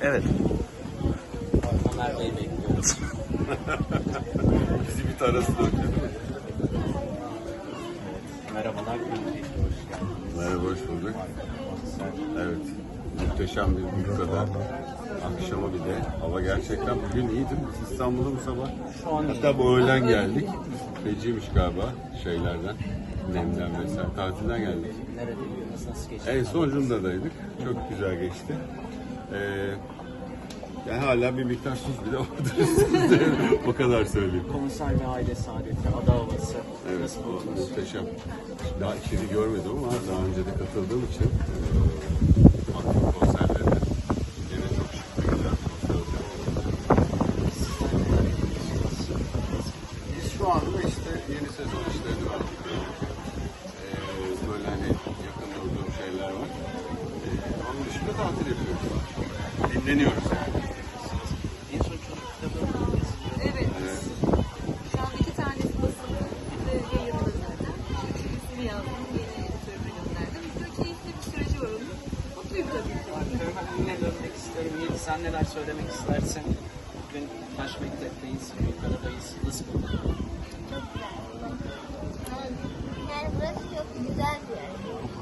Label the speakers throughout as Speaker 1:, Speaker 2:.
Speaker 1: Evet.
Speaker 2: Ömer Bey'i bekliyoruz.
Speaker 3: Bizi bir tarasın önce değil mi?
Speaker 2: Merhabalar, Gültekin, hoş geldiniz.
Speaker 3: Merhaba, hoş bulduk. Evet, muhteşem bir Büyükada. Akşama bir de hava gerçekten bugün iyiydi. Biz İstanbul'da bu sabah.
Speaker 2: Şu an
Speaker 3: Hatta bu öğlen geldik. Feciymiş galiba şeylerden, nemden vesaire. Tatilden geldik.
Speaker 2: neredeydiniz, nasıl geçti?
Speaker 3: En son Cunda'daydık. Çok güzel geçti. Yani hala bir miktar tuz bile vardır üstünde. O kadar söyleyeyim.
Speaker 2: Konser ve aile saadeti, ada havası.
Speaker 3: Evet,
Speaker 2: Nasıl
Speaker 3: o
Speaker 2: buldunuz?
Speaker 3: muhteşem. Daha içeri görmedim ama daha önce de katıldığım için baktım konserlerine. Yine çok şık bir güzel bir konser olacak. Biz şu anda işte yeni sezon işlerini var. Böyle hani yakın durduğum şeyler var. Onun dışında tatil yapıyoruz. Dinleniyoruz yani.
Speaker 2: En son çocuk kitabı
Speaker 4: Evet. Şu an 2 tanesi basılı, bir de yayında zaten. Üçüncüsünü yazdım, yeni editörüme gönderdim. Güzel, keyifli bir süreci var onun. Mutluyum tabii ki.
Speaker 2: yine dönmek istiyorum. Yiğit, sen neler söylemek istersin? Bugün Taş Mektep'teyiz, Büyükada'dayız. Nasıl buldun?
Speaker 5: Çok güzel. Yani burası çok güzel bir yer.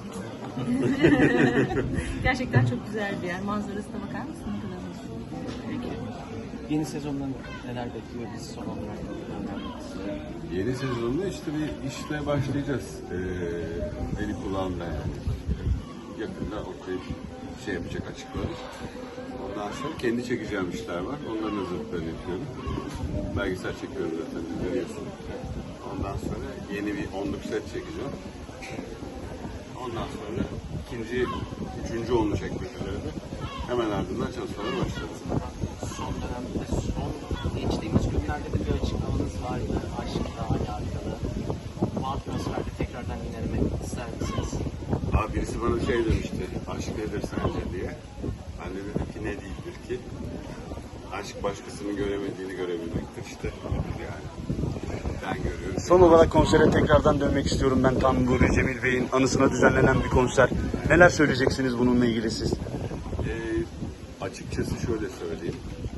Speaker 4: Gerçekten çok güzel bir yer. Manzarasına bakar mısın? Ne kadar hoş.
Speaker 2: Peki. Yeni sezondan neler bekliyor bizi son olarak?
Speaker 3: Yeni sezonda işte bir işle başlayacağız. Eli kulağında yani. Yakında ortaya şey yapacak, açıklarız. Ondan sonra kendi çekeceğim işler var. Onların hazırlıklarını yapıyorum. Belgesel çekiyorum zaten, görüyorsun. Ondan sonra yeni bir 10'luk set çekeceğim. Ondan sonra üçüncü 10'lu çekmek üzere de hemen ardından çalışmalara başlarız.
Speaker 2: Son dönemde, geçtiğimiz günlerde de bir açıklamanız vardı. Aşkla alakalı. Bu atmosferde tekrardan inermek ister misiniz?
Speaker 3: Abi birisi bana şey demişti, aşk nedir sence diye. Ben de dedim ki ne değildir ki? Aşk başkasının göremediğini görebilmektir işte. Yani ben görüyorum.
Speaker 1: Son olarak konsere tekrardan dönmek istiyorum ben. Tam bu Cemil Bey'in anısına düzenlenen bir konser. Neler söyleyeceksiniz bununla ilgili siz?
Speaker 3: Açıkçası şöyle söyleyeyim.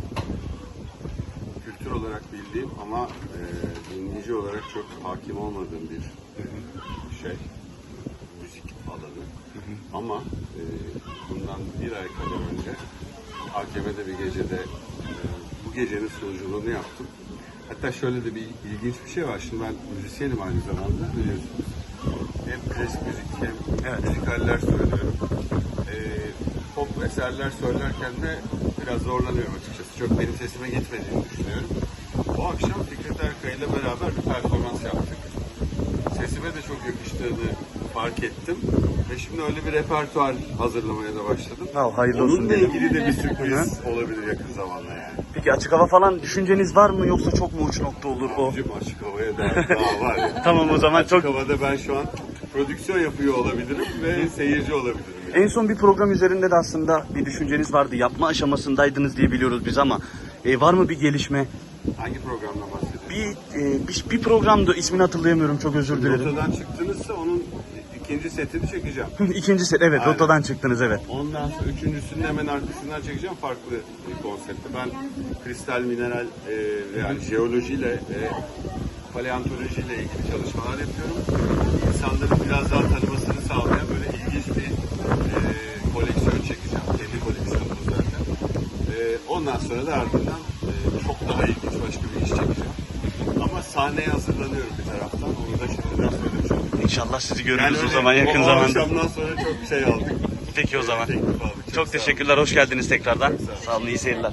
Speaker 3: Kültür olarak bildiğim ama dinleyici olarak çok hakim olmadığım bir şey. Müzik alanı. Ama bundan bir ay kadar önce AKM'de bir gecede bu gecenin sunuculuğunu yaptım. Hatta şöyle de bir ilginç bir şey var. Şimdi ben müzisyenim aynı zamanda biliyorsunuz. Hem klasik müzik hem müzikaller söylüyorum. Pop eserler söylerken de biraz zorlanıyorum açıkçası. Çok benim sesime gitmediğini düşünüyorum. O akşam Fikret Erkay ile beraber bir performans yaptık. Sesime de çok yakıştığını fark ettim. Ve şimdi öyle bir repertuar hazırlamaya da başladım.
Speaker 1: Hayırlı olsun
Speaker 3: Onunla
Speaker 1: diyelim.
Speaker 3: ilgili de bir sürpriz olabilir yakın zamanda yani.
Speaker 1: Peki açık hava falan düşünceniz var mı yoksa çok mu uç nokta olur o?
Speaker 3: Abicim açık havaya daha var ya.
Speaker 1: Tamam o zaman
Speaker 3: Açık
Speaker 1: çok...
Speaker 3: havada ben şu an prodüksiyon yapıyor olabilirim ve seyirci olabilirim. Yani.
Speaker 1: En son bir program üzerinde de aslında bir düşünceniz vardı. Yapma aşamasındaydınız diye biliyoruz biz ama var mı bir gelişme?
Speaker 3: Hangi programdan bahsediyorsun?
Speaker 1: Bir programdı, ismini hatırlayamıyorum, çok özür dilerim.
Speaker 3: Rotadan çıktınızsa onun ikinci setini çekeceğim.
Speaker 1: İkincisi evet,
Speaker 3: Aynen.
Speaker 1: rotadan çıktınız evet.
Speaker 3: Ondan sonra üçüncüsünün hemen arkasından çekeceğim farklı bir konsepte. Ben kristal, mineral yani jeolojiyle ve paleontolojiyle ilgili çalışmalar yapıyorum. İnsanların biraz daha tanımasını sağlayan böyle ilginç bir koleksiyon çekeceğim. Kendi koleksiyonum zaten. Ondan sonra da ardından çok daha ilginç başka bir iş çekeceğim. Ama sahneye hazırlanıyorum bir taraftan. Onu da şimdiden söylemiş oldum.
Speaker 1: İnşallah sizi görürüz
Speaker 3: Yani
Speaker 1: o
Speaker 3: öyle
Speaker 1: zaman yakın
Speaker 3: o
Speaker 1: zamanda.
Speaker 3: akşamdan sonra çok şey aldık.
Speaker 1: Peki o zaman.
Speaker 3: Teklif aldık.
Speaker 1: Çok
Speaker 3: sağ
Speaker 1: teşekkürler, hoş geldiniz tekrardan.
Speaker 3: Çok sağ olun.
Speaker 1: Sağ olun, iyi seyirler.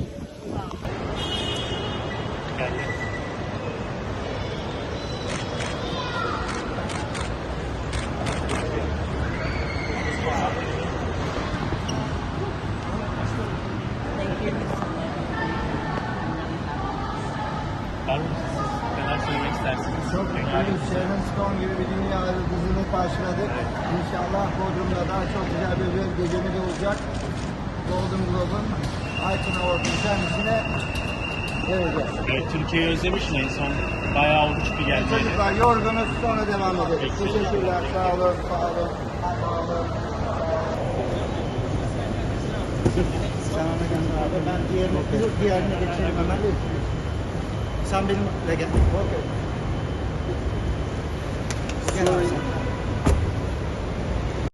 Speaker 2: Neler söylemek istersiniz?
Speaker 6: Çok mutluyuz. Sharon Stone gibi bir dünya yıldızını karşıladık. İnşallah Bodrum'da daha çok güzel bir gecemiz olacak. Golden Globe'un Aytun Award'un kendisine vereceğiz.
Speaker 7: Evet, Türkiye'yi özlemişsin en son. Bayağı oldu çünkü geldiğini.
Speaker 6: Çocuklar yorgunuz, sonra devam ederiz. Teşekkürler. Sağ olun. Sağ olun. Sağ olun. Sen ona gönder abi. Ben diğerine geçeyim hemen. Sen benimle gel. Okey. Gel abi sen.